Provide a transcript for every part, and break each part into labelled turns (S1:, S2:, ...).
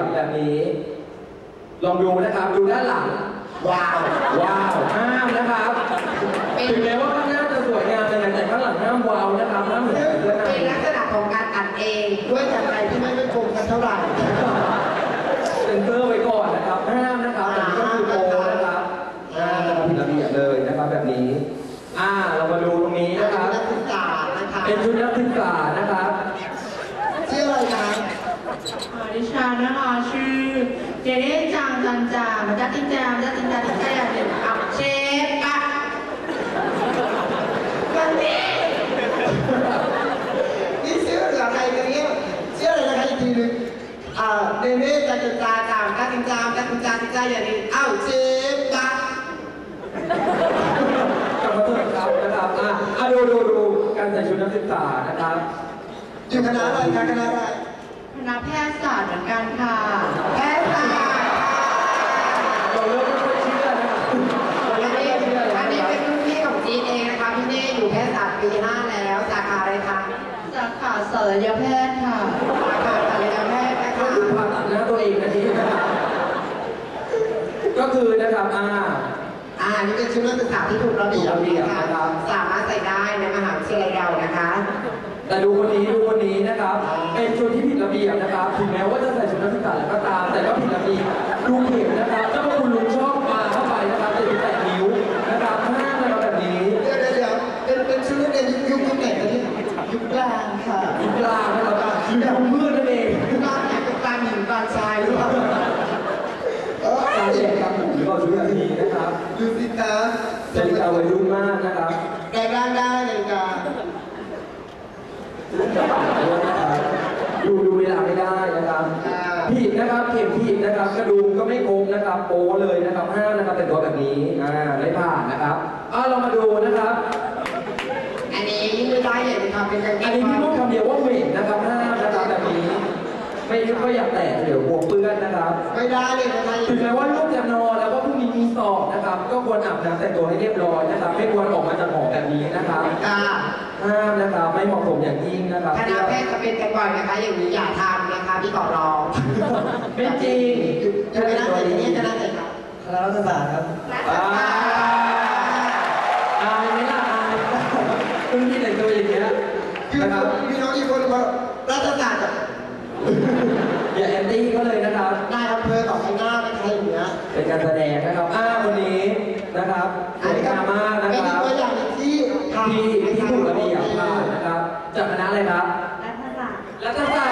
S1: แบบนี้ลองดูนะครับดูด้านหลังว้าวห้ามนะครับถึงแม้ว่าข้างหน้าจะสวยงามเลยแต่ข้างหลังห้ามว้าวนะครับห้ามเหมือนเพื่อนเป็นลักษณะของการอัดเองด้วยจากใจที่ไม่คมกันเท่าไหร่เซ็นเซอร์ไว้ก่อนนะครับห้ามนะครับแบบนี้ก็คือโปนะครับจะผิดระเบียบเลยนะครับแบบนี้เรามาดูตรงนี้นะครับเป็นชุดนักศึกษานะครับชื่ออะไรครับ
S2: ดิฉันนะคะชื่อเจเด้จางจันจามาจากตินจามจากตินจาตินจาอย่างเดียวอับเชฟอะกันนี้
S1: นี่ชื่ออะไรกันเนี่ยชื่ออะไรนะคะอีกทีนึงเนเน่จันจาจามจันจามจันจาตินจาอย่างนี้เชฟอะกลับมาตัวครับนะครับดูการใส่ชุดนักศึกษานะครับอยู่คณะอะไรคะคณะอะไร
S2: คณะแพทยศาสตร์เหมือนกันค่ะ
S1: แพทยศาสตร์เราเริ่มไม่ค่อยเชื่อนะครับ
S3: อันนี้เป็นรุ่นพี่ของจีนเองนะคะพี่เน่อยู่แพทยศาสตร์ปี 5แล้วสาขาอะไรคะ
S2: สาขาศัลยแพทย์ค่ะ
S3: สาขาศัลยแพทย์นะคะ
S1: ผ่าตัดหน้าตัวเองนะทีก็คือนะครับ
S3: อันนี้เป็นชุดนักศึกษาที่ถูกระเบียบนะคะสามารถใส่ได้ในมหาวิทยาลัยเรานะคะ
S1: แต่ดูคนนี้นะครับเป็นชุดที่ผิดระเบียบนะครับถึงแม้ว่าจะใส่ชุดนักศึกษาแล้วก็ตามแต่ก็ผิดระเบียบดูเข็มนะครับเจ้าพระคุณลุงชอบมาเข้าไปนะครับจะแตะนิ้วนะครับห้ามอะไรแบบนี้
S3: เดี๋ยวเป็นชุดนักเรียนยุคไหนกันเนี่ยยุคกลางค่ะ
S1: ยุคกลางนะครับยุคเมื่อนั่นเอง
S3: ยุคกลางเนี่ยเป็นกลางหญิงกลางชายหรือเปล่า
S1: การแจกครับผมหรือว่าชุดแบบนี้นะครับ
S3: ดูสิคะ
S1: นาฬิกาวัยรุ่นมากนะครับ
S3: แต่ร่างได้นาฬิกา
S1: ดูเวลาไม่ได้นะครับผิดนะครับเข็มผิดนะครับกระดุมก็ไม่ครบนะครับโป้เลยนะครับห้ามนะครับแต่ตัวแบบนี้ไม่ผ่านนะครับเรามาดูนะครับ
S3: อันนี้ไม่ได้เลยนะครับเป็นการ
S1: อันนี้พี่พูดคำเดียวว่าเหม็นนะครับห้ามนะครับแบบนี้ไม่อยากแตะเดี๋ยวกลัวเปื้อนนะครับ
S3: ไม่ได้เลยนะคะ
S1: ถึงแม้ว่าลูกจะนอนแล้วก็พรุ่งนี้มีสอบนะครับก็ควรอาบน้ำแต่งตัวให้เรียบร้อยนะครับไม่ควรออกมาจากหอแบบนี้นะครับห้ามนะครับไม่เหมาะสมอย่างยิ่งนะครับ
S3: คณะแพทย์จะเป็นกันบ่อยนะคะอย่างนี้อย่าทำนะคะพี่ขอร้อง
S1: ไม่จริง
S3: คณะไหนเนี่ยคณะไหนครับ
S1: คณะรัฐศาสตร์ครับอายไหมล่ะอายคุณพี่แต่งตัวอย่างเงี้ย
S3: นะครับพี่น้องอีกคนว่ารัฐศาสตร์
S1: อย่าแอนตี้ก็เลยนะครับ
S3: นายอำเภอต่อข้างหน้าเป็นใครอย่างเงี้ย
S1: เป็นการแสดงนะครับวันนี้นะครับ
S3: สวยงาม
S1: มากนะครับ
S3: เป็นตัวอย่างที่
S1: ถูกระเบียบผ่านนะครับจากคณะอะไรครับรัฐศาสตร์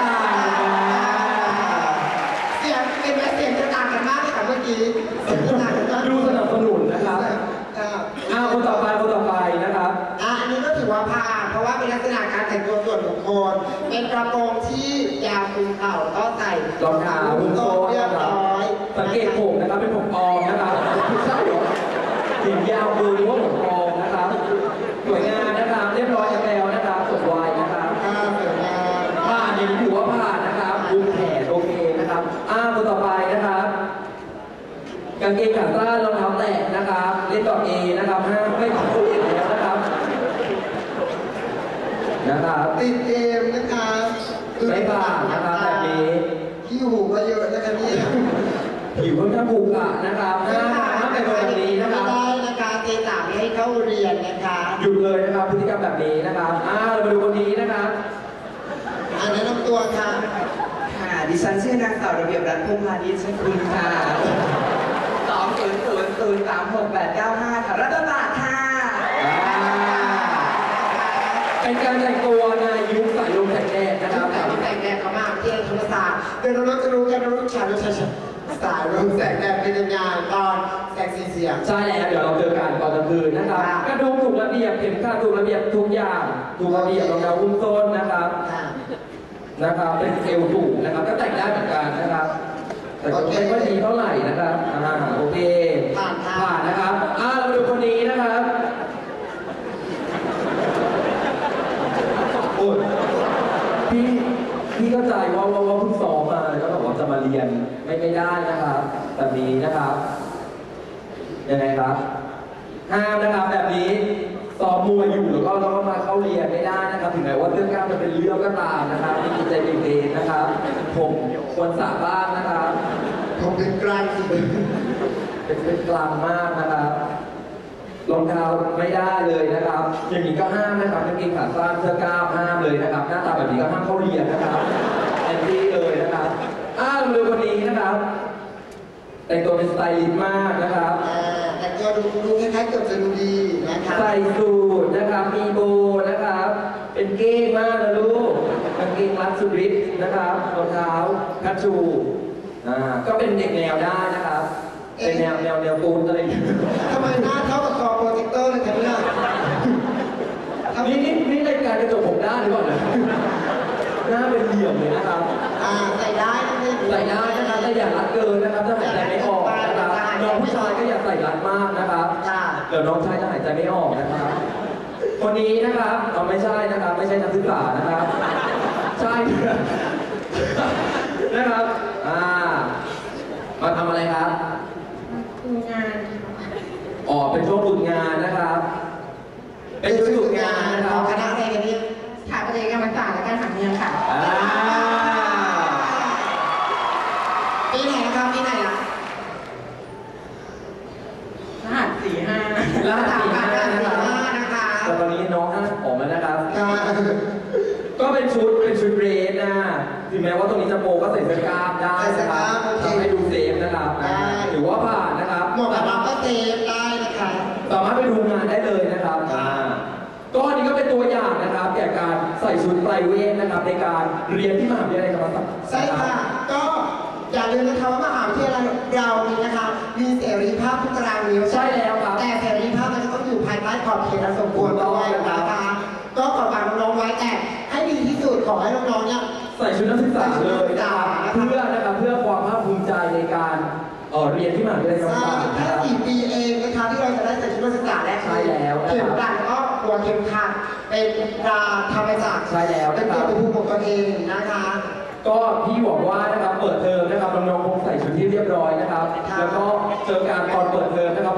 S3: เสียงเป็นแม่เสียงจะต่างกันมากเลยค่ะเมื่อกี้
S1: ดูสนับสนุนนะครับคนต่อไปนะครับ
S3: อันนี้ก็ถือว่าผ่านเพราะว่าเป็นลักษณะการแต่งตัวส่วนบุคคลเป็นกระโปรงที่ยาวคุมเข่าก็ใส่
S1: รองเท้าหุ้มโซ่
S3: เรียบร้อย
S1: สังเกตผมนะครับเป็นผมปลอมนะครับใช่หรอถึงยาวคือหรือว่าผมปลอมนะครับสวยงามนะครับเรียบร้อยแล้วนะครับสดวายนะครับผ่านอย่างนี้ถือว่าผ่านนะครับดูแขนโอเคนะครับคนต่อไปนะครับกางเกงขาสั้นรองเท้าแตะนะครับเล่นดอกเอนะครับห้ามไม่ขอตัวเองแล้วนะครับ
S3: ติดเกมนะคะ
S1: ไม่ผ่านนะครับแบบนี้
S3: ขี้หูก็เยอะนะคะนี่
S1: ผิวค่อนข้างผูกอะนะครับห้ามเป็นแบบนี้นะครับ
S3: ไม่ได้นะคะเจสามให้เข้าเรียนนะคะ
S1: หยุดเลยนะครับพฤติกรรมแบบนี้นะครับเรามาดูคนนี้นะครับ
S3: แนะนำตัวค่ะ
S4: ดิฉันชื่อนางสาวระเบียบรัตน์พงษ์พาณิชย์คุณค่ะ200036895ค่ะรัฐศาสตร์ค่ะ
S1: เป็นการแต่งตัวในยุคสายลมแสงแดดนะครับ
S3: แต่งแดดเขามาที่ธรรมศาสตร์เดี๋ยวเราจะรู้กันรู้ชายสายลมแสงแดดเป็นยังไงตอนแสงสีเสียง
S1: ใช่แล้วเดี๋ยวเราเจอกันตอนกลางคืนนะครับกระดุมถูกระเบียบเข็มขัดถูกระเบียบทุกอย่างถูกระเบียบรองเท้าหุ้มส้นนะครับเป็นเอวถูกนะครับก็แต่งได้เหมือนกันนะครับแต่ก็ไม่ค่อยดีเท่าไหร่นะครับโอเคผ่านนะครับเราดูคนนี้นะครับโอ้พี่เข้าใจว่าเพิ่งซ้อมมาแล้วก็บอกว่าจะมาเรียนไม่ได้นะครับแบบนี้นะครับยังไงครับห้ามนะครับแบบนี้ซ้อมมวยอยู่แล้วก็มาเข้าเรียนไม่ได้นะครับถึงแม้ว่าเรื่องกล้ามจะเป็นเรื่องก็ตามนะครับมีจิตใจเด็กๆนะครับผมควรสระบ้างนะครับ
S3: ผมเป็นกลางสิ
S1: เป็นกลางมากนะครับรองเท้าไม่ได้เลยนะครับ อย่างนี้ก็ห้ามนะครับกางเกงขาสั้นเสื้อกล้ามห้ามเลยนะครับ หน้าตาแบบนี้ก็ห้ามเข้าเรียนนะครับแอนตี้เลยนะครับเราดูคนนี้นะครับ แต่งตัวเป็นสไตลิสต์มากนะครับ
S3: แต่งตัวดูคล้ายๆเกือบจะดูดีนะคะ
S1: ใส่สูทนะครับ มีโบนะครับ เป็นเก้งมากนะลูกกางเกงรัดสุดฤทธิ์นะครับรองเท้าคัชชูก็เป็นเด็กแนวได้นะครับ เป็นแนวตูนอะไรอย่างเงี้ย
S3: ทำไมหน้าเท่ากับคอโปรเจคเตอร์เลยครับเนี่ย
S1: นี่รายการกระจกผมด้านหรือเปล่าเนี่ยหน้าเป็นเหลี่ยมเลยนะครับ
S3: ใส่ได้นะเนี่ย
S1: ใส่ได้นะครับแต่อย่ารัดเกินนะครับถ้าหายใจไม่ออกนะครับน้องผู้ชายก็อย่าใส่รัดมากนะครับ
S3: ค่ะ
S1: เดี๋ยวน้องชายจะหายใจไม่ออกนะครับ คนนี้นะครับไม่ใช่นะครับ ไม่ใช่นักศึกษานะครับ ใช่นะครับมาทำอะไรครับ
S2: งาน
S1: เป็นช่วงฝึกงานนะครับ เป็นช่วงฝึกงานนะค
S3: ข
S1: รั
S3: อบ งคณะอะไรกันเนี่ย
S2: สถาปัตยกรรมศาสตร์และการผังเมืองค่ะ
S3: ปีไหนนะครับปีไหนล่ะ
S2: รหัส45
S1: รหัส
S3: สาม
S1: สี่
S3: พั
S1: ห้าน
S3: ห้า
S1: นะ
S3: สิบ
S1: ครับ
S3: ห้านะคะ
S1: แต่ตอนนี้น้องห้าออกมานะครับ
S3: ค่ะ
S1: ก็เป็นชุดเรสนะถึงแม้ว่าตรงนี้จะโปก็ใส่เสื้อกล้ามได้นะครับทำให้ดูเซฟนะครับถือว่าผ่านนะครับ
S3: หมวกกันน็อกก็เซฟได้นะคะ
S1: สามารถไปดูงานได้เลยนะครับก็อันนี้ก็เป็นตัวอย่างนะครับแก่การใส่ชุดไพรเวทนะครับในการเรียนที่มหาวิทยาลัยธรรมศาสตร์
S3: ใช่ค่ะ ก็อย่าลืมนะคะว่ามหาวิทยาลัยเรานี้นะคะ มีเสรีภาพทุกตารางนิ้ว
S1: ใช่แล้วครับ
S3: แต่เสรีภาพมันจะต้องอยู่ภายใต้ขอบเขตอันสมควรด้วยนะคะ ก็ขอฝากน้องๆไว้แต่ให้ดีที่สุดขอให้น้องๆเนี่ย
S1: ใส่ชุดนักศึกษาเลยนะครับเพื่อความภาคภูมิใจในการเรียนที่มหาวิทยาลัยธรรม
S3: ใช่
S1: ศาสตร์
S3: แค่
S1: นะครับ
S3: 4 ปีเองนะคะที่เราจะได้ใส่ชุดนักศึกษาและ
S1: ใช่แล้วนะครับ
S3: เข็มกลัดแล้วก็หัวเข็มขัดเป็นตราธรรมจักร
S1: ใช่แล้ว
S3: เป็น
S1: นะครับ
S3: เกียรติภูมิของตัวเองนะคะ
S1: ก็พี่หวังว่านะครับเปิดเทอมนะครับน้องๆคงใส่ชุดที่เรียบร้อยนะครับ
S3: ค่ะ
S1: แล้วก็เจอการตอนเปิดเทอมนะครับ